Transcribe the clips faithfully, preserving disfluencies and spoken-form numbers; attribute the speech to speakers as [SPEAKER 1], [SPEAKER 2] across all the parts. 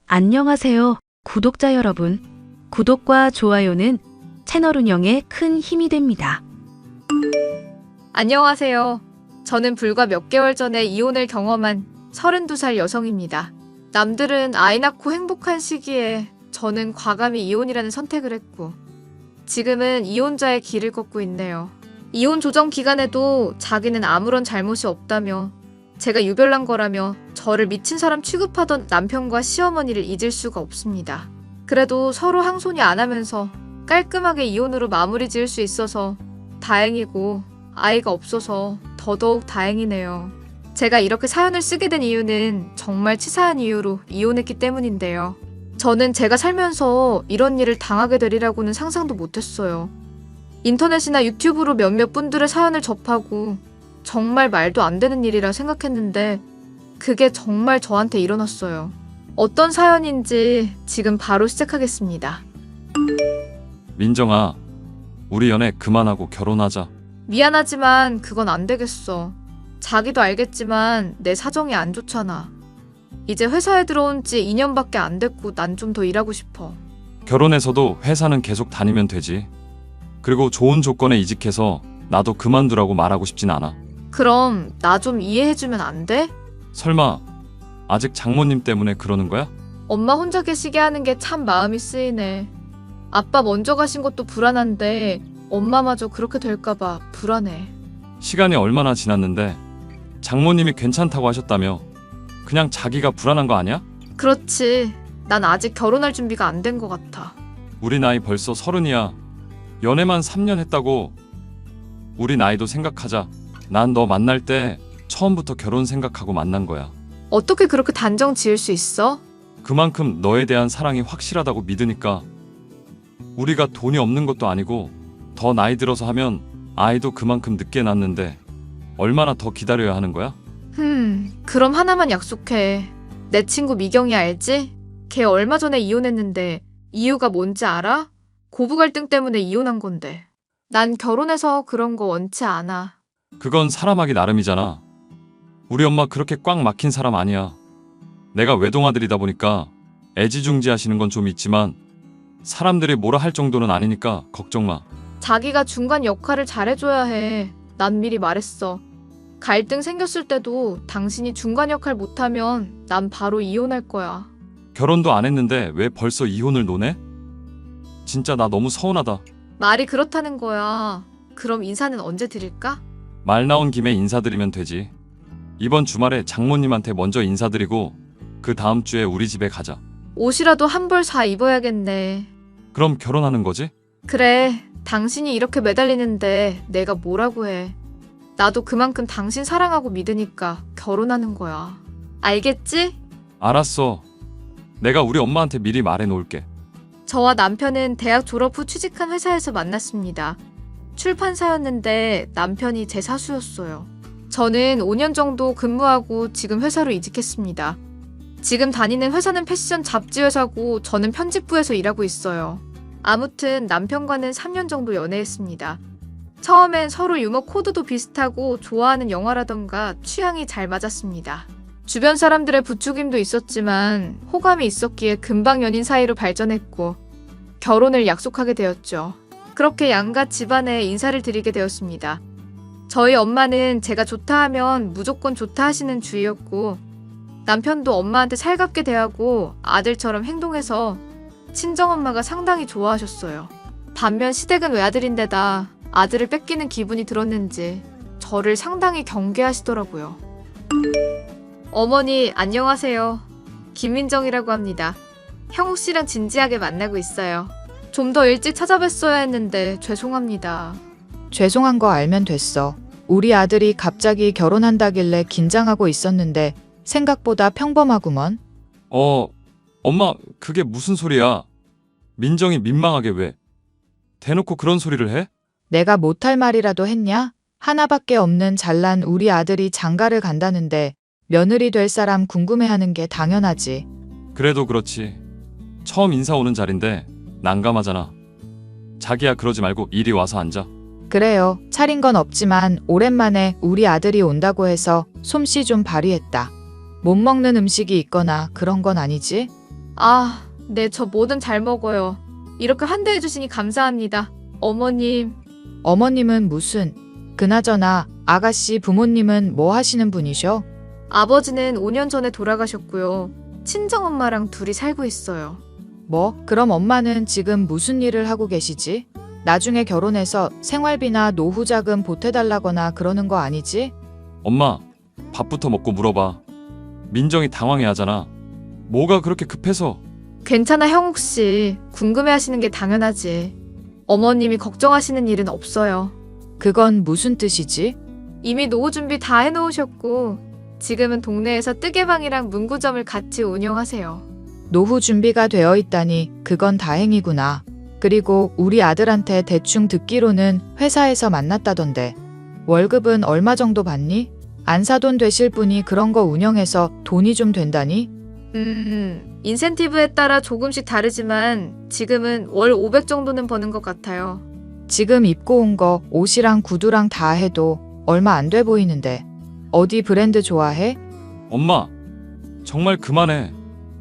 [SPEAKER 1] 안녕하세요, 구독자 여러분. 구독과 좋아요는 채널 운영에 큰 힘이 됩니다.
[SPEAKER 2] 안녕하세요. 저는 불과 몇 개월 전에 이혼을 경험한 서른두 살 여성입니다. 남들은 아이 낳고 행복한 시기에 저는 과감히 이혼이라는 선택을 했고 지금은 이혼자의 길을 걷고 있네요. 이혼 조정 기간에도 자기는 아무런 잘못이 없다며 제가 유별난 거라며 저를 미친 사람 취급하던 남편과 시어머니를 잊을 수가 없습니다. 그래도 서로 항소니 안 하면서 깔끔하게 이혼으로 마무리 지을 수 있어서 다행이고 아이가 없어서 더더욱 다행이네요. 제가 이렇게 사연을 쓰게 된 이유는 정말 치사한 이유로 이혼했기 때문인데요. 저는 제가 살면서 이런 일을 당하게 되리라고는 상상도 못했어요. 인터넷이나 유튜브로 몇몇 분들의 사연을 접하고 정말 말도 안 되는 일이라 생각했는데 그게 정말 저한테 일어났어요. 어떤 사연인지 지금 바로 시작하겠습니다.
[SPEAKER 3] 민정아, 우리 연애 그만하고 결혼하자.
[SPEAKER 2] 미안하지만 그건 안 되겠어. 자기도 알겠지만 내 사정이 안 좋잖아. 이제 회사에 들어온 지 이 년밖에 안 됐고 난 좀 더 일하고 싶어.
[SPEAKER 3] 결혼해서도 회사는 계속 다니면 되지. 그리고 좋은 조건에 이직해서 나도 그만두라고 말하고 싶진 않아.
[SPEAKER 2] 그럼 나 좀 이해해주면 안 돼?
[SPEAKER 3] 설마 아직 장모님 때문에 그러는 거야?
[SPEAKER 2] 엄마 혼자 계시게 하는 게 참 마음이 쓰이네. 아빠 먼저 가신 것도 불안한데 엄마마저 그렇게 될까봐 불안해.
[SPEAKER 3] 시간이 얼마나 지났는데 장모님이 괜찮다고 하셨다며. 그냥 자기가 불안한 거 아니야?
[SPEAKER 2] 그렇지. 난 아직 결혼할 준비가 안 된 것 같아.
[SPEAKER 3] 우리 나이 벌써 서른이야. 연애만 삼 년 했다고. 우리 나이도 생각하자. 난 너 만날 때 처음부터 결혼 생각하고 만난 거야.
[SPEAKER 2] 어떻게 그렇게 단정 지을 수 있어?
[SPEAKER 3] 그만큼 너에 대한 사랑이 확실하다고 믿으니까. 우리가 돈이 없는 것도 아니고 더 나이 들어서 하면 아이도 그만큼 늦게 낳는데 얼마나 더 기다려야 하는 거야?
[SPEAKER 2] 흠, 그럼 하나만 약속해. 내 친구 미경이 알지? 걔 얼마 전에 이혼했는데 이유가 뭔지 알아? 고부 갈등 때문에 이혼한 건데. 난 결혼해서 그런 거 원치 않아.
[SPEAKER 3] 그건 사람하기 나름이잖아. 우리 엄마 그렇게 꽉 막힌 사람 아니야. 내가 외동아들이다 보니까 애지중지하시는 건 좀 있지만 사람들이 뭐라 할 정도는 아니니까 걱정 마.
[SPEAKER 2] 자기가 중간 역할을 잘해줘야 해. 난 미리 말했어. 갈등 생겼을 때도 당신이 중간 역할 못하면 난 바로 이혼할 거야.
[SPEAKER 3] 결혼도 안 했는데 왜 벌써 이혼을 논해? 진짜 나 너무 서운하다.
[SPEAKER 2] 말이 그렇다는 거야. 그럼 인사는 언제 드릴까?
[SPEAKER 3] 말 나온 김에 인사드리면 되지. 이번 주말에 장모님한테 먼저 인사드리고 그 다음 주에 우리 집에 가자.
[SPEAKER 2] 옷이라도 한 벌 사 입어야겠네.
[SPEAKER 3] 그럼 결혼하는 거지?
[SPEAKER 2] 그래, 당신이 이렇게 매달리는데 내가 뭐라고 해. 나도 그만큼 당신 사랑하고 믿으니까 결혼하는 거야. 알겠지?
[SPEAKER 3] 알았어. 내가 우리 엄마한테 미리 말해 놓을게.
[SPEAKER 2] 저와 남편은 대학 졸업 후 취직한 회사에서 만났습니다. 출판사였는데 남편이 제 사수였어요. 저는 오 년 정도 근무하고 지금 회사로 이직했습니다. 지금 다니는 회사는 패션 잡지 회사고 저는 편집부에서 일하고 있어요. 아무튼 남편과는 삼 년 정도 연애했습니다. 처음엔 서로 유머 코드도 비슷하고 좋아하는 영화라던가 취향이 잘 맞았습니다. 주변 사람들의 부추김도 있었지만 호감이 있었기에 금방 연인 사이로 발전했고 결혼을 약속하게 되었죠. 그렇게 양가 집안에 인사를 드리게 되었습니다. 저희 엄마는 제가 좋다 하면 무조건 좋다 하시는 주의였고 남편도 엄마한테 살갑게 대하고 아들처럼 행동해서 친정엄마가 상당히 좋아하셨어요. 반면 시댁은 외아들인데다 아들을 뺏기는 기분이 들었는지 저를 상당히 경계하시더라고요. 어머니 안녕하세요. 김민정이라고 합니다. 형욱 씨랑 진지하게 만나고 있어요. 좀 더 일찍 찾아뵀어야 했는데 죄송합니다.
[SPEAKER 4] 죄송한 거 알면 됐어. 우리 아들이 갑자기 결혼한다길래 긴장하고 있었는데 생각보다 평범하구먼.
[SPEAKER 3] 어, 엄마 그게 무슨 소리야? 민정이 민망하게 왜? 대놓고 그런 소리를 해?
[SPEAKER 4] 내가 못할 말이라도 했냐? 하나밖에 없는 잘난 우리 아들이 장가를 간다는데 며느리 될 사람 궁금해하는 게 당연하지.
[SPEAKER 3] 그래도 그렇지. 처음 인사 오는 자리인데 난감하잖아. 자기야 그러지 말고 이리 와서 앉아.
[SPEAKER 4] 그래요. 차린 건 없지만 오랜만에 우리 아들이 온다고 해서 솜씨 좀 발휘했다. 못 먹는 음식이 있거나 그런 건 아니지?
[SPEAKER 2] 아, 네, 저 뭐든 잘 먹어요. 이렇게 환대해 주시니 감사합니다. 어머님,
[SPEAKER 4] 어머님은 무슨, 그나저나 아가씨 부모님은 뭐 하시는 분이셔?
[SPEAKER 2] 아버지는 오 년 전에 돌아가셨고요. 친정엄마랑 둘이 살고 있어요.
[SPEAKER 4] 뭐, 그럼 엄마는 지금 무슨 일을 하고 계시지? 나중에 결혼해서 생활비나 노후 자금 보태달라거나 그러는 거 아니지?
[SPEAKER 3] 엄마, 밥부터 먹고 물어봐. 민정이 당황해 하잖아. 뭐가 그렇게 급해서?
[SPEAKER 2] 괜찮아, 형욱 씨. 궁금해 하시는 게 당연하지. 어머님이 걱정하시는 일은 없어요.
[SPEAKER 4] 그건 무슨 뜻이지?
[SPEAKER 2] 이미 노후 준비 다 해놓으셨고, 지금은 동네에서 뜨개방이랑 문구점을 같이 운영하세요.
[SPEAKER 4] 노후 준비가 되어 있다니 그건 다행이구나. 그리고 우리 아들한테 대충 듣기로는 회사에서 만났다던데. 월급은 얼마 정도 받니? 안사돈 되실 분이 그런 거 운영해서 돈이 좀 된다니?
[SPEAKER 2] 음, 인센티브에 따라 조금씩 다르지만 지금은 월 오백 정도는 버는 것 같아요.
[SPEAKER 4] 지금 입고 온 거 옷이랑 구두랑 다 해도 얼마 안 돼 보이는데. 어디 브랜드 좋아해?
[SPEAKER 3] 엄마, 정말 그만해.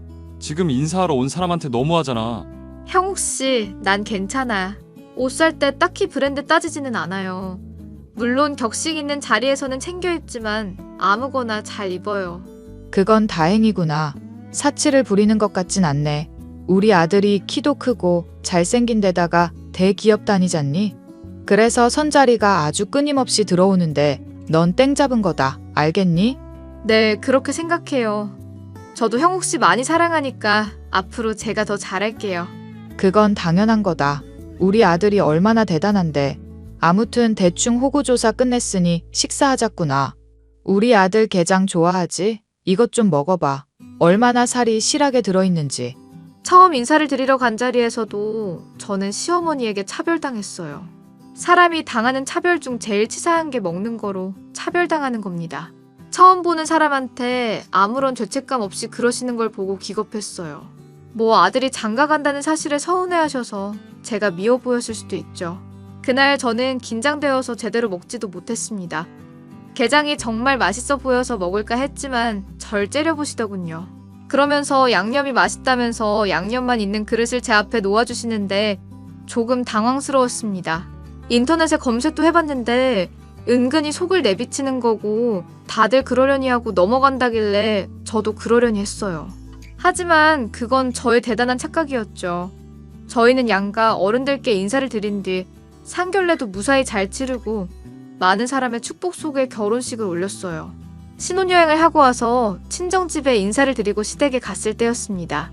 [SPEAKER 3] 지금 인사하러 온 사람한테 너무하잖아.
[SPEAKER 2] 형욱 씨, 난 괜찮아. 옷 살 때 딱히 브랜드 따지지는 않아요. 물론 격식 있는 자리에서는 챙겨 입지만 아무거나 잘 입어요.
[SPEAKER 4] 그건 다행이구나. 사치를 부리는 것 같진 않네. 우리 아들이 키도 크고 잘생긴 데다가 대기업 다니잖니? 그래서 선자리가 아주 끊임없이 들어오는데 넌 땡 잡은 거다. 알겠니?
[SPEAKER 2] 네, 그렇게 생각해요. 저도 형욱 씨 많이 사랑하니까 앞으로 제가 더 잘할게요.
[SPEAKER 4] 그건 당연한 거다. 우리 아들이 얼마나 대단한데. 아무튼 대충 호구조사 끝냈으니 식사하자꾸나. 우리 아들 게장 좋아하지? 이것 좀 먹어봐. 얼마나 살이 실하게 들어있는지.
[SPEAKER 2] 처음 인사를 드리러 간 자리에서도 저는 시어머니에게 차별당했어요. 사람이 당하는 차별 중 제일 치사한 게 먹는 거로 차별당하는 겁니다. 처음 보는 사람한테 아무런 죄책감 없이 그러시는 걸 보고 기겁했어요. 뭐 아들이 장가 간다는 사실에 서운해하셔서 제가 미워 보였을 수도 있죠. 그날 저는 긴장되어서 제대로 먹지도 못했습니다. 게장이 정말 맛있어 보여서 먹을까 했지만 절 째려보시더군요. 그러면서 양념이 맛있다면서 양념만 있는 그릇을 제 앞에 놓아주시는데 조금 당황스러웠습니다. 인터넷에 검색도 해봤는데 은근히 속을 내비치는 거고 다들 그러려니 하고 넘어간다길래 저도 그러려니 했어요. 하지만 그건 저의 대단한 착각이었죠. 저희는 양가 어른들께 인사를 드린 뒤 상견례도 무사히 잘 치르고 많은 사람의 축복 속에 결혼식을 올렸어요. 신혼여행을 하고 와서 친정집에 인사를 드리고 시댁에 갔을 때였습니다.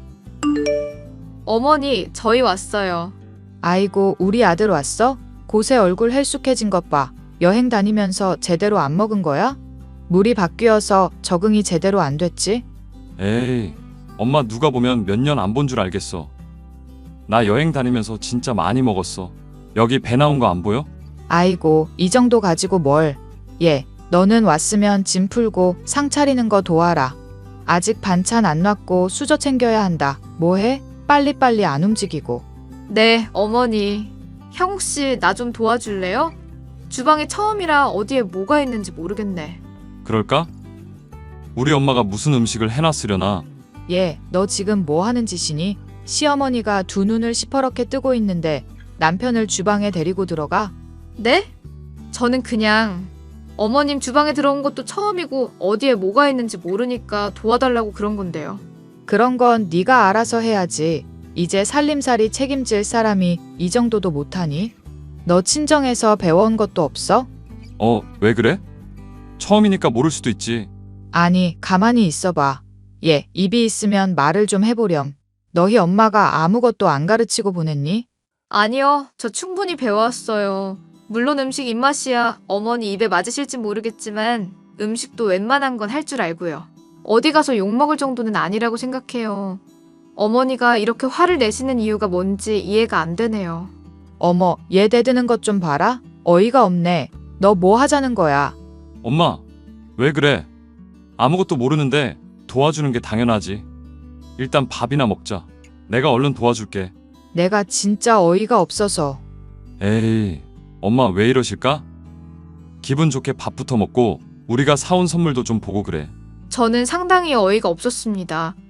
[SPEAKER 2] 어머니, 저희 왔어요.
[SPEAKER 4] 아이고, 우리 아들 왔어? 곳에 얼굴 헬쑥해진 것 봐. 여행 다니면서 제대로 안 먹은 거야? 물이 바뀌어서 적응이 제대로 안 됐지?
[SPEAKER 3] 에이, 엄마 누가 보면 몇 년 안 본 줄 알겠어. 나 여행 다니면서 진짜 많이 먹었어. 여기 배 나온 거 안 보여?
[SPEAKER 4] 아이고, 이 정도 가지고 뭘. 얘, 너는 왔으면 짐 풀고 상 차리는 거 도와라. 아직 반찬 안 놨고 수저 챙겨야 한다. 뭐해? 빨리빨리 안 움직이고.
[SPEAKER 2] 네, 어머니. 형욱 씨, 나 좀 도와줄래요? 주방이 처음이라 어디에 뭐가 있는지 모르겠네.
[SPEAKER 3] 그럴까? 우리 엄마가 무슨 음식을 해놨으려나?
[SPEAKER 4] 얘, 너 지금 뭐 하는 짓이니? 시어머니가 두 눈을 시퍼렇게 뜨고 있는데 남편을 주방에 데리고 들어가?
[SPEAKER 2] 네? 저는 그냥 어머님 주방에 들어온 것도 처음이고 어디에 뭐가 있는지 모르니까 도와달라고 그런 건데요.
[SPEAKER 4] 그런 건 네가 알아서 해야지. 이제 살림살이 책임질 사람이 이 정도도 못하니? 너 친정에서 배워온 것도 없어?
[SPEAKER 3] 어, 왜 그래? 처음이니까 모를 수도 있지.
[SPEAKER 4] 아니, 가만히 있어봐. 얘, 입이 있으면 말을 좀 해보렴. 너희 엄마가 아무것도 안 가르치고 보냈니?
[SPEAKER 2] 아니요, 저 충분히 배워왔어요. 물론 음식 입맛이야 어머니 입에 맞으실지 모르겠지만 음식도 웬만한 건 할 줄 알고요. 어디 가서 욕먹을 정도는 아니라고 생각해요. 어머니가 이렇게 화를 내시는 이유가 뭔지 이해가 안 되네요.
[SPEAKER 4] 어머, 얘 대드는 것 좀 봐라. 어이가 없네. 너 뭐 하자는 거야?
[SPEAKER 3] 엄마, 왜 그래? 아무것도 모르는데 도와주는 게 당연하지. 일단 밥이나 먹자. 내가 얼른 도와줄게.
[SPEAKER 4] 내가 진짜 어이가 없어서.
[SPEAKER 3] 에이, 엄마 왜 이러실까? 기분 좋게 밥부터 먹고 우리가 사온 선물도 좀 보고 그래.
[SPEAKER 2] 저는 상당히 어이가 없었습니다.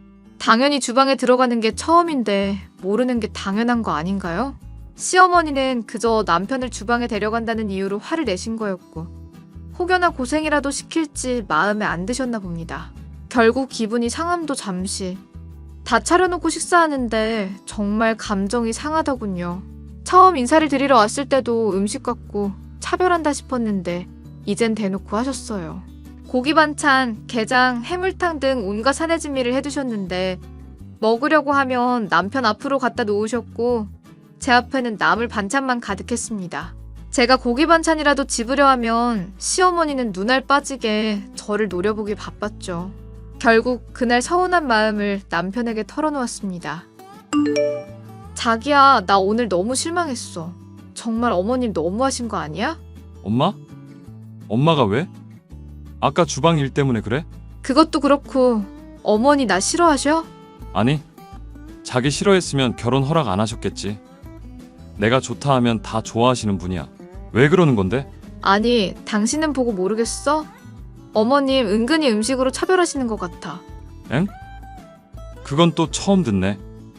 [SPEAKER 2] 당연히 주방에 들어가는 게 처음인데 모르는 게 당연한 거 아닌가요? 시어머니는 그저 남편을 주방에 데려간다는 이유로 화를 내신 거였고 혹여나 고생이라도 시킬지 마음에 안 드셨나 봅니다. 결국 기분이 상함도 잠시. 다 차려놓고 식사하는데 정말 감정이 상하더군요. 처음 인사를 드리러 왔을 때도 음식 갖고 차별한다 싶었는데 이젠 대놓고 하셨어요. 고기 반찬, 게장, 해물탕 등 온갖 사내진미를 해두셨는데 먹으려고 하면 남편 앞으로 갖다 놓으셨고 제 앞에는 나물 반찬만 가득했습니다. 제가 고기 반찬이라도 집으려 하면 시어머니는 눈알 빠지게 저를 노려보기 바빴죠. 결국 그날 서운한 마음을 남편에게 털어놓았습니다. 자기야, 나 오늘 너무 실망했어. 정말 어머님 너무하신 거 아니야?
[SPEAKER 3] 엄마? 엄마가 왜? 아까 주방 일 때문에 그래?
[SPEAKER 2] 그것도 그렇고 어머니 나 싫어하셔?
[SPEAKER 3] 아니, 자기 싫어했으면 결혼 허락 안 하셨겠지. 내가 좋다 하면 다 좋아하시는 분이야. 왜 그러는 건데?
[SPEAKER 2] 아니, 당신은 보고 모르겠어? 어머님 은근히 음식으로 차별하시는 것 같아.
[SPEAKER 3] 엥? 그건 또 처음 듣네.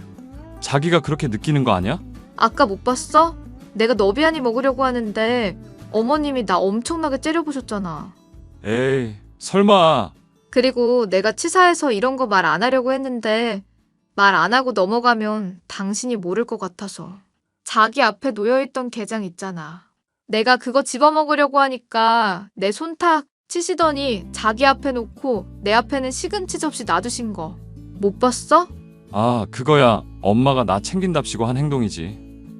[SPEAKER 3] 자기가 그렇게 느끼는 거 아니야?
[SPEAKER 2] 아까 못 봤어? 내가 너비아니 먹으려고 하는데 어머님이 나 엄청나게 째려보셨잖아.
[SPEAKER 3] 에이, 설마.
[SPEAKER 2] 그리고 내가 치사해서 이런 거 말 안 하려고 했는데 말 안 하고 넘어가면 당신이 모를 것 같아서. 자기 앞에 놓여있던 게장 있잖아. 내가 그거 집어먹으려고 하니까 내 손탁 치시더니 자기 앞에 놓고 내 앞에는 시금치 접시 놔두신 거 못 봤어?
[SPEAKER 3] 아, 그거야 엄마가 나 챙긴답시고 한 행동이지.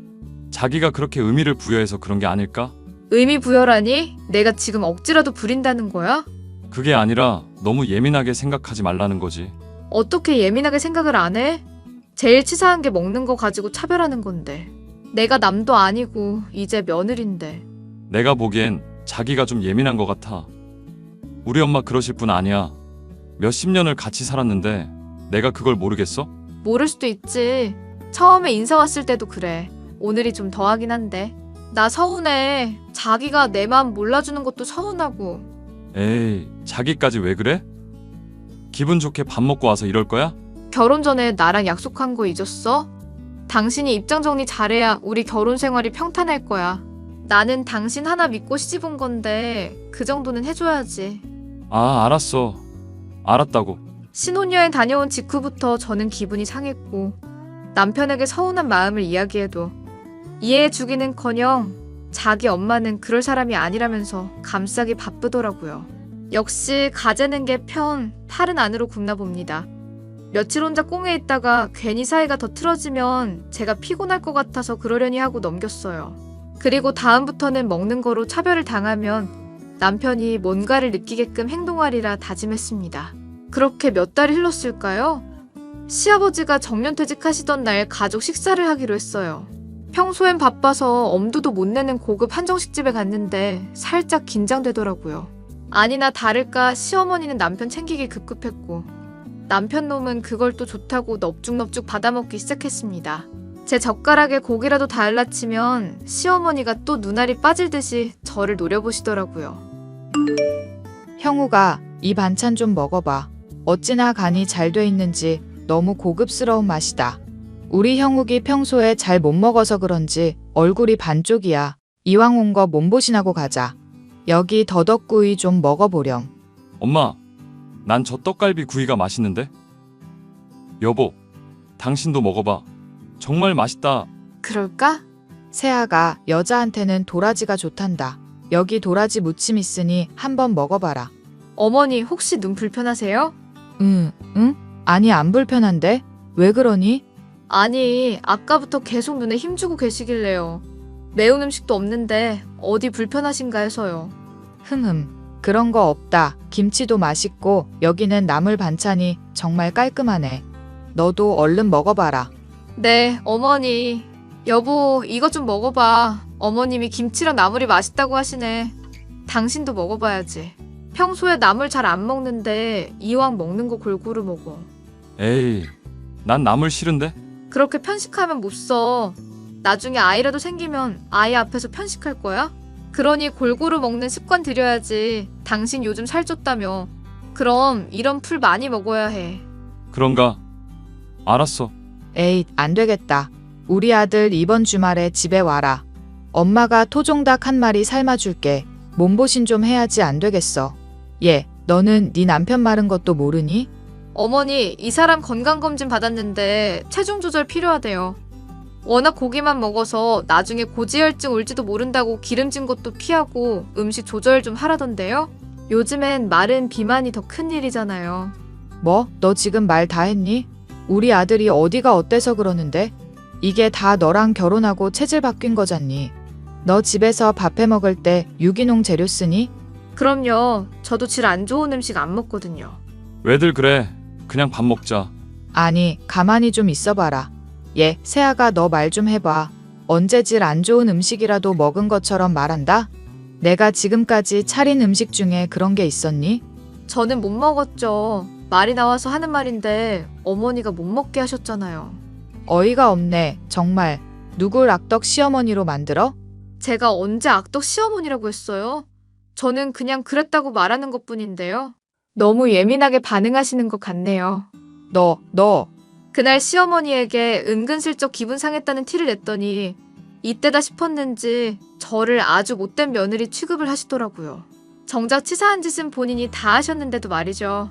[SPEAKER 3] 자기가 그렇게 의미를 부여해서 그런 게 아닐까?
[SPEAKER 2] 의미 부여라니? 내가 지금 억지라도 부린다는 거야?
[SPEAKER 3] 그게 아니라 너무 예민하게 생각하지 말라는 거지.
[SPEAKER 2] 어떻게 예민하게 생각을 안 해? 제일 치사한 게 먹는 거 가지고 차별하는 건데. 내가 남도 아니고 이제 며느린데.
[SPEAKER 3] 내가 보기엔 자기가 좀 예민한 것 같아. 우리 엄마 그러실 분 아니야. 몇십 년을 같이 살았는데 내가 그걸 모르겠어?
[SPEAKER 2] 모를 수도 있지. 처음에 인사 왔을 때도 그래. 오늘이 좀 더하긴 한데. 나 서운해. 자기가 내 마음 몰라주는 것도 서운하고.
[SPEAKER 3] 에이, 자기까지 왜 그래? 기분 좋게 밥 먹고 와서 이럴 거야?
[SPEAKER 2] 결혼 전에 나랑 약속한 거 잊었어? 당신이 입장 정리 잘해야 우리 결혼 생활이 평탄할 거야. 나는 당신 하나 믿고 시집 온 건데 그 정도는 해줘야지.
[SPEAKER 3] 아, 알았어. 알았다고.
[SPEAKER 2] 신혼여행 다녀온 직후부터 저는 기분이 상했고 남편에게 서운한 마음을 이야기해도 이해해주기는커녕 자기 엄마는 그럴 사람이 아니라면서 감싸기 바쁘더라고요. 역시 가재는 게 편, 탈은 안으로 굽나 봅니다. 며칠 혼자 꽁에 있다가 괜히 사이가 더 틀어지면 제가 피곤할 것 같아서 그러려니 하고 넘겼어요. 그리고 다음부터는 먹는 거로 차별을 당하면 남편이 뭔가를 느끼게끔 행동하리라 다짐했습니다. 그렇게 몇 달이 흘렀을까요? 시아버지가 정년퇴직하시던 날 가족 식사를 하기로 했어요. 평소엔 바빠서 엄두도 못 내는 고급 한정식집에 갔는데 살짝 긴장되더라고요. 아니나 다를까 시어머니는 남편 챙기기 급급했고 남편 놈은 그걸 또 좋다고 넙죽넙죽 받아먹기 시작했습니다. 제 젓가락에 고기라도 달라치면 시어머니가 또 눈알이 빠질 듯이 저를 노려보시더라고요.
[SPEAKER 4] 형우가 이 반찬 좀 먹어봐. 어찌나 간이 잘 돼 있는지 너무 고급스러운 맛이다. 우리 형욱이 평소에 잘 못 먹어서 그런지 얼굴이 반쪽이야. 이왕 온 거 몸보신하고 가자. 여기 더덕구이 좀 먹어보렴.
[SPEAKER 3] 엄마, 난 저 떡갈비 구이가 맛있는데? 여보, 당신도 먹어봐. 정말 맛있다.
[SPEAKER 2] 그럴까?
[SPEAKER 4] 세아가 여자한테는 도라지가 좋단다. 여기 도라지 무침 있으니 한번 먹어봐라.
[SPEAKER 2] 어머니 혹시 눈 불편하세요?
[SPEAKER 4] 응, 응? 아니 안 불편한데? 왜 그러니?
[SPEAKER 2] 아니, 아까부터 계속 눈에 힘주고 계시길래요. 매운 음식도 없는데 어디 불편하신가 해서요.
[SPEAKER 4] 흠흠, 그런 거 없다. 김치도 맛있고 여기는 나물 반찬이 정말 깔끔하네. 너도 얼른 먹어봐라.
[SPEAKER 2] 네, 어머니. 여보, 이것 좀 먹어봐. 어머님이 김치랑 나물이 맛있다고 하시네. 당신도 먹어봐야지. 평소에 나물 잘 안 먹는데 이왕 먹는 거 골고루 먹어.
[SPEAKER 3] 에이, 난 나물 싫은데?
[SPEAKER 2] 그렇게 편식하면 못 써. 나중에 아이라도 생기면 아이 앞에서 편식할 거야? 그러니 골고루 먹는 습관 들여야지. 당신 요즘 살쪘다며. 그럼 이런 풀 많이 먹어야 해.
[SPEAKER 3] 그런가? 알았어.
[SPEAKER 4] 에이, 안 되겠다. 우리 아들 이번 주말에 집에 와라. 엄마가 토종닭 한 마리 삶아줄게. 몸보신 좀 해야지 안 되겠어. 얘, 너는 네 남편 마른 것도 모르니?
[SPEAKER 2] 어머니, 이 사람 건강검진 받았는데 체중 조절 필요하대요. 워낙 고기만 먹어서 나중에 고지혈증 올지도 모른다고 기름진 것도 피하고 음식 조절 좀 하라던데요? 요즘엔 마른 비만이 더 큰일이잖아요.
[SPEAKER 4] 뭐? 너 지금 말 다 했니? 우리 아들이 어디가 어때서 그러는데? 이게 다 너랑 결혼하고 체질 바뀐 거잖니. 너 집에서 밥 해 먹을 때 유기농 재료 쓰니?
[SPEAKER 2] 그럼요. 저도 질 안 좋은 음식 안 먹거든요.
[SPEAKER 3] 왜들 그래? 그냥 밥 먹자.
[SPEAKER 4] 아니, 가만히 좀 있어봐라. 얘, 세아가 너 말 좀 해봐. 언제 질 안 좋은 음식이라도 먹은 것처럼 말한다? 내가 지금까지 차린 음식 중에 그런 게 있었니?
[SPEAKER 2] 저는 못 먹었죠. 말이 나와서 하는 말인데 어머니가 못 먹게 하셨잖아요.
[SPEAKER 4] 어이가 없네, 정말. 누굴 악덕 시어머니로 만들어?
[SPEAKER 2] 제가 언제 악덕 시어머니라고 했어요? 저는 그냥 그랬다고 말하는 것뿐인데요. 너무 예민하게 반응하시는 것 같네요.
[SPEAKER 4] 너, 너.
[SPEAKER 2] 그날 시어머니에게 은근슬쩍 기분 상했다는 티를 냈더니 이때다 싶었는지 저를 아주 못된 며느리 취급을 하시더라고요. 정작 치사한 짓은 본인이 다 하셨는데도 말이죠.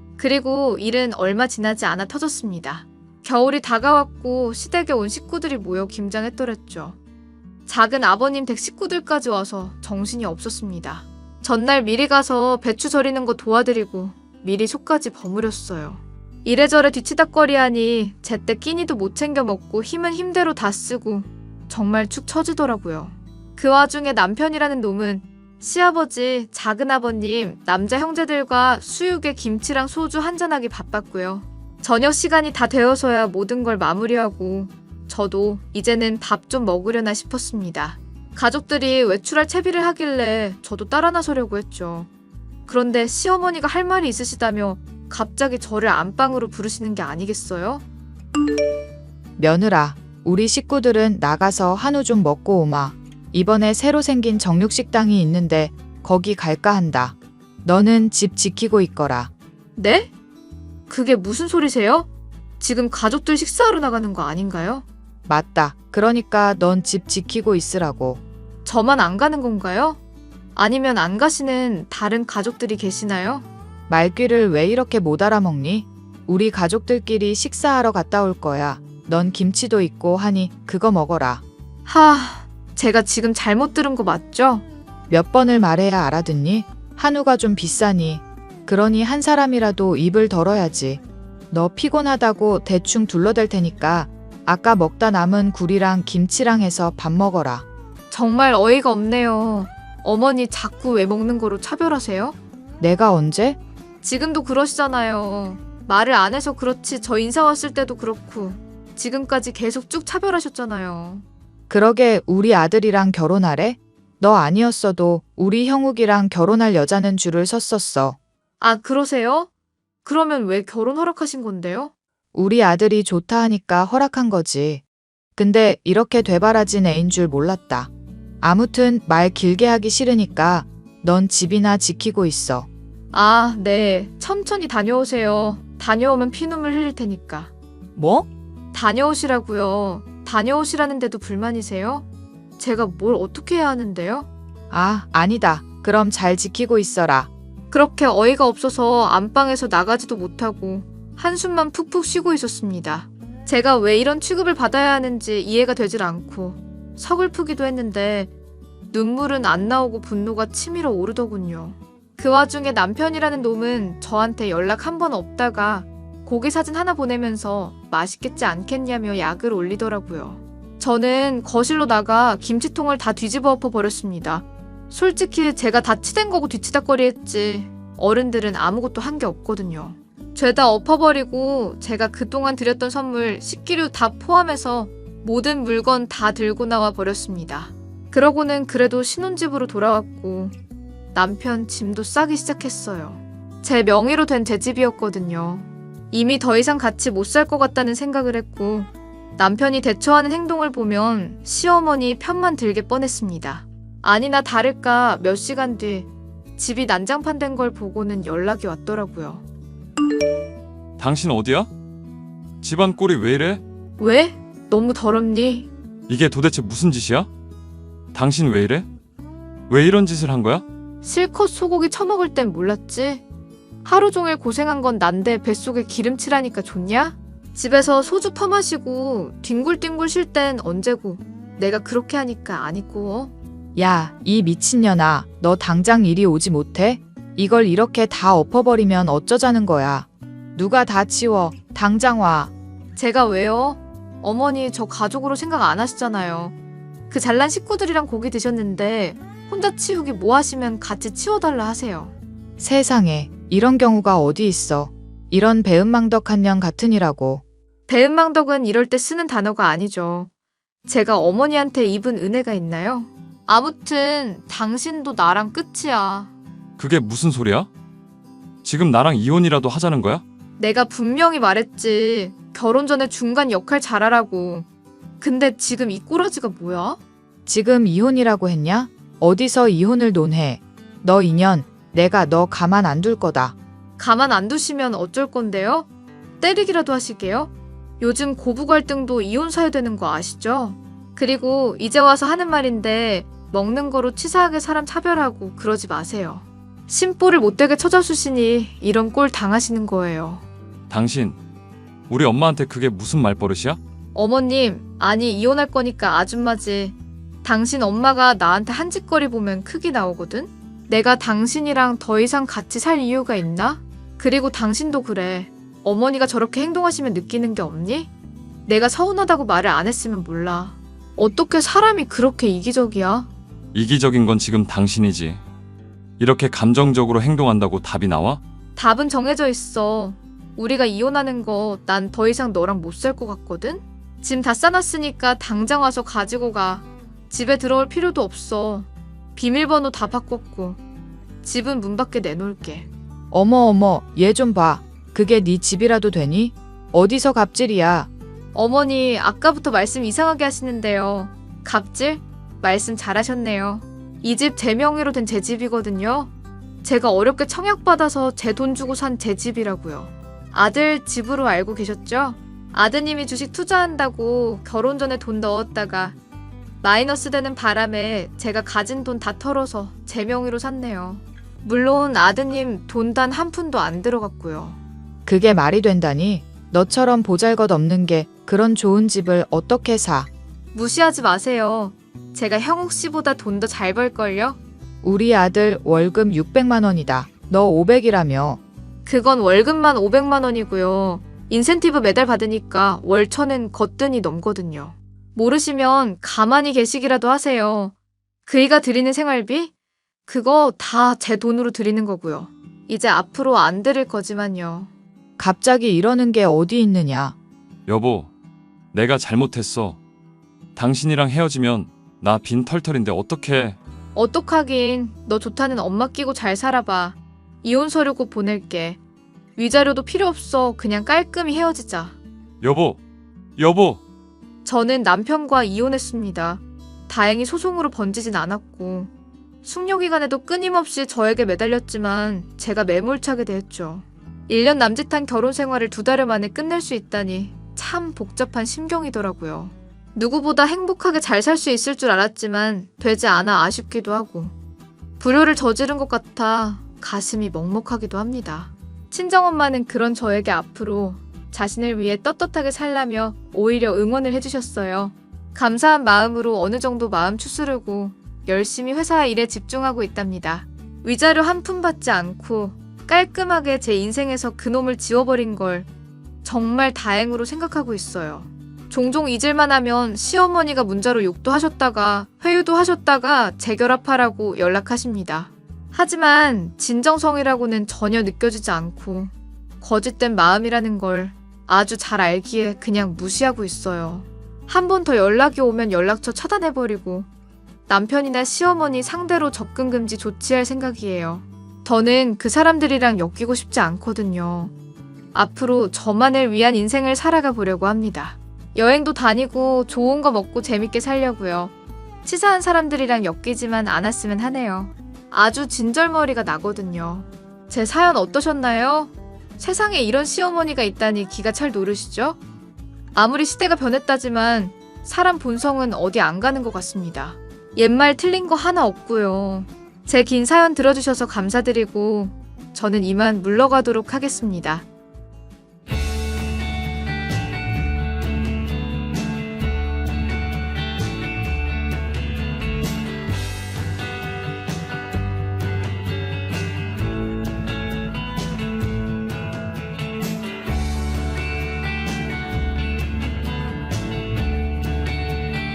[SPEAKER 2] 그리고 일은 얼마 지나지 않아 터졌습니다. 겨울이 다가왔고 시댁에 온 식구들이 모여 김장했더랬죠. 작은 아버님 댁 식구들까지 와서 정신이 없었습니다. 전날 미리 가서 배추 절이는 거 도와드리고 미리 속까지 버무렸어요. 이래저래 뒤치다꺼리하니 제때 끼니도 못 챙겨 먹고 힘은 힘대로 다 쓰고 정말 축 처지더라고요. 그 와중에 남편이라는 놈은 시아버지, 작은아버님, 남자 형제들과 수육에 김치랑 소주 한잔하기 바빴고요. 저녁 시간이 다 되어서야 모든 걸 마무리하고 저도 이제는 밥 좀 먹으려나 싶었습니다. 가족들이 외출할 채비를 하길래 저도 따라 나서려고 했죠. 그런데 시어머니가 할 말이 있으시다며 갑자기 저를 안방으로 부르시는 게 아니겠어요?
[SPEAKER 4] 며느라, 우리 식구들은 나가서 한우 좀 먹고 오마. 이번에 새로 생긴 정육식당이 있는데 거기 갈까 한다. 너는 집 지키고 있거라.
[SPEAKER 2] 네? 그게 무슨 소리세요? 지금 가족들 식사하러 나가는 거 아닌가요?
[SPEAKER 4] 맞다. 그러니까 넌 집 지키고 있으라고.
[SPEAKER 2] 저만 안 가는 건가요? 아니면 안 가시는 다른 가족들이 계시나요?
[SPEAKER 4] 말귀를 왜 이렇게 못 알아먹니? 우리 가족들끼리 식사하러 갔다 올 거야. 넌 김치도 있고 하니 그거 먹어라.
[SPEAKER 2] 하, 제가 지금 잘못 들은 거 맞죠?
[SPEAKER 4] 몇 번을 말해야 알아듣니? 한우가 좀 비싸니. 그러니 한 사람이라도 입을 덜어야지. 너 피곤하다고 대충 둘러댈 테니까 아까 먹다 남은 굴이랑 김치랑 해서 밥 먹어라.
[SPEAKER 2] 정말 어이가 없네요. 어머니 자꾸 왜 먹는 거로 차별하세요?
[SPEAKER 4] 내가 언제?
[SPEAKER 2] 지금도 그러시잖아요. 말을 안 해서 그렇지 저 인사 왔을 때도 그렇고 지금까지 계속 쭉 차별하셨잖아요.
[SPEAKER 4] 그러게 우리 아들이랑 결혼하래? 너 아니었어도 우리 형욱이랑 결혼할 여자는 줄을 섰었어.
[SPEAKER 2] 아, 그러세요? 그러면 왜 결혼 허락하신 건데요?
[SPEAKER 4] 우리 아들이 좋다 하니까 허락한 거지. 근데 이렇게 되바라진 애인 줄 몰랐다. 아무튼 말 길게 하기 싫으니까 넌 집이나 지키고 있어.
[SPEAKER 2] 아, 네. 천천히 다녀오세요. 다녀오면 피눈물 흘릴 테니까.
[SPEAKER 4] 뭐?
[SPEAKER 2] 다녀오시라고요. 다녀오시라는데도 불만이세요? 제가 뭘 어떻게 해야 하는데요?
[SPEAKER 4] 아, 아니다. 그럼 잘 지키고 있어라.
[SPEAKER 2] 그렇게 어이가 없어서 안방에서 나가지도 못하고 한숨만 푹푹 쉬고 있었습니다. 제가 왜 이런 취급을 받아야 하는지 이해가 되질 않고 서글프기도 했는데 눈물은 안 나오고 분노가 치밀어 오르더군요. 그 와중에 남편이라는 놈은 저한테 연락 한 번 없다가 고기 사진 하나 보내면서 맛있겠지 않겠냐며 약을 올리더라고요. 저는 거실로 나가 김치통을 다 뒤집어 엎어 버렸습니다. 솔직히 제가 다 치댄 거고 뒤치다꺼리 했지 어른들은 아무것도 한 게 없거든요. 죄다 엎어버리고 제가 그동안 드렸던 선물 식기류 다 포함해서 모든 물건 다 들고 나와 버렸습니다. 그러고는 그래도 신혼집으로 돌아왔고 남편 짐도 싸기 시작했어요. 제 명의로 된 제 집이었거든요. 이미 더 이상 같이 못 살 것 같다는 생각을 했고 남편이 대처하는 행동을 보면 시어머니 편만 들게 뻔했습니다. 아니나 다를까 몇 시간 뒤 집이 난장판 된 걸 보고는 연락이 왔더라고요.
[SPEAKER 3] 당신 어디야? 집안 꼴이 왜 이래?
[SPEAKER 2] 왜? 너무 더럽니?
[SPEAKER 3] 이게 도대체 무슨 짓이야? 당신 왜 이래? 왜 이런 짓을 한 거야?
[SPEAKER 2] 실컷 소고기 처먹을 땐 몰랐지. 하루 종일 고생한 건 난데 뱃속에 기름칠하니까 좋냐? 집에서 소주 퍼마시고 뒹굴뒹굴 쉴 땐 언제고. 내가 그렇게 하니까 안 있고.
[SPEAKER 4] 야, 이 미친년아, 너 당장 이리 오지 못해? 이걸 이렇게 다 엎어버리면 어쩌자는 거야. 누가 다 치워. 당장 와.
[SPEAKER 2] 제가 왜요? 어머니 저 가족으로 생각 안 하시잖아요. 그 잘난 식구들이랑 고기 드셨는데 혼자 치우기 뭐 하시면 같이 치워달라 하세요.
[SPEAKER 4] 세상에, 이런 경우가 어디 있어. 이런 배은망덕한 년 같으니라고.
[SPEAKER 2] 배은망덕은 이럴 때 쓰는 단어가 아니죠. 제가 어머니한테 입은 은혜가 있나요? 아무튼 당신도 나랑 끝이야.
[SPEAKER 3] 그게 무슨 소리야? 지금 나랑 이혼이라도 하자는 거야?
[SPEAKER 2] 내가 분명히 말했지. 결혼 전에 중간 역할 잘하라고. 근데 지금 이 꼬라지가 뭐야?
[SPEAKER 4] 지금 이혼이라고 했냐? 어디서 이혼을 논해. 너 인연, 내가 너 가만 안 둘 거다.
[SPEAKER 2] 가만 안 두시면 어쩔 건데요? 때리기라도 하시게요? 요즘 고부 갈등도 이혼 사유되는 거 아시죠? 그리고 이제 와서 하는 말인데 먹는 거로 치사하게 사람 차별하고 그러지 마세요. 심보를 못되게 쳐져주시니 이런 꼴 당하시는 거예요.
[SPEAKER 3] 당신, 우리 엄마한테 그게 무슨 말버릇이야?
[SPEAKER 2] 어머님, 아니 이혼할 거니까 아줌마지. 당신 엄마가 나한테 한 짓거리 보면 크기 나오거든? 내가 당신이랑 더 이상 같이 살 이유가 있나? 그리고 당신도 그래. 어머니가 저렇게 행동하시면 느끼는 게 없니? 내가 서운하다고 말을 안 했으면 몰라. 어떻게 사람이 그렇게 이기적이야?
[SPEAKER 3] 이기적인 건 지금 당신이지. 이렇게 감정적으로 행동한다고 답이 나와?
[SPEAKER 2] 답은 정해져 있어. 우리가 이혼하는 거 난 더 이상 너랑 못 살 것 같거든? 짐 다 싸놨으니까 당장 와서 가지고 가. 집에 들어올 필요도 없어. 비밀번호 다 바꿨고. 집은 문 밖에 내놓을게.
[SPEAKER 4] 어머 어머, 얘 좀 봐. 그게 네 집이라도 되니? 어디서 갑질이야.
[SPEAKER 2] 어머니, 아까부터 말씀 이상하게 하시는데요. 갑질? 말씀 잘하셨네요. 이 집 제 명의로 된 제 집이거든요. 제가 어렵게 청약받아서 제 돈 주고 산 제 집이라고요. 아들 집으로 알고 계셨죠? 아드님이 주식 투자한다고 결혼 전에 돈 넣었다가 마이너스 되는 바람에 제가 가진 돈 다 털어서 제 명의로 샀네요. 물론 아드님 돈 단 한 푼도 안 들어갔고요.
[SPEAKER 4] 그게 말이 된다니? 너처럼 보잘것없는 게 그런 좋은 집을 어떻게 사?
[SPEAKER 2] 무시하지 마세요. 제가 형욱 씨보다 돈 더 잘 벌걸요?
[SPEAKER 4] 우리 아들 월급 육백만 원이다. 너 오백이라며.
[SPEAKER 2] 그건 월급만 오백만 원이고요. 인센티브 매달 받으니까 월 천은 거뜬히 넘거든요. 모르시면 가만히 계시기라도 하세요. 그이가 드리는 생활비? 그거 다 제 돈으로 드리는 거고요. 이제 앞으로 안 드릴 거지만요.
[SPEAKER 4] 갑자기 이러는 게 어디 있느냐.
[SPEAKER 3] 여보, 내가 잘못했어. 당신이랑 헤어지면 나 빈 털털인데 어떡해.
[SPEAKER 2] 어떡하긴. 너 좋다는 엄마 끼고 잘 살아봐. 이혼 서류 곧 보낼게. 위자료도 필요 없어. 그냥 깔끔히 헤어지자.
[SPEAKER 3] 여보, 여보.
[SPEAKER 2] 저는 남편과 이혼했습니다. 다행히 소송으로 번지진 않았고 숙려기간에도 끊임없이 저에게 매달렸지만 제가 매몰차게 대했죠. 일 년 남짓한 결혼 생활을 두 달여 만에 끝낼 수 있다니 참 복잡한 심경이더라고요. 누구보다 행복하게 잘 살 수 있을 줄 알았지만 되지 않아 아쉽기도 하고 불효를 저지른 것 같아 가슴이 먹먹하기도 합니다. 친정엄마는 그런 저에게 앞으로 자신을 위해 떳떳하게 살라며 오히려 응원을 해주셨어요. 감사한 마음으로 어느 정도 마음 추스르고 열심히 회사 일에 집중하고 있답니다. 위자료 한 푼 받지 않고 깔끔하게 제 인생에서 그놈을 지워버린 걸 정말 다행으로 생각하고 있어요. 종종 잊을만 하면 시어머니가 문자로 욕도 하셨다가 회유도 하셨다가 재결합하라고 연락하십니다. 하지만 진정성이라고는 전혀 느껴지지 않고 거짓된 마음이라는 걸 아주 잘 알기에 그냥 무시하고 있어요. 한 번 더 연락이 오면 연락처 차단해버리고 남편이나 시어머니 상대로 접근 금지 조치할 생각이에요. 저는 그 사람들이랑 엮이고 싶지 않거든요. 앞으로 저만을 위한 인생을 살아가 보려고 합니다. 여행도 다니고 좋은 거 먹고 재밌게 살려고요. 치사한 사람들이랑 엮이지만 않았으면 하네요. 아주 진절머리가 나거든요. 제 사연 어떠셨나요? 세상에 이런 시어머니가 있다니 기가 찰 노릇이죠? 아무리 시대가 변했다지만 사람 본성은 어디 안 가는 것 같습니다. 옛말 틀린 거 하나 없고요. 제 긴 사연 들어주셔서 감사드리고 저는 이만 물러가도록 하겠습니다.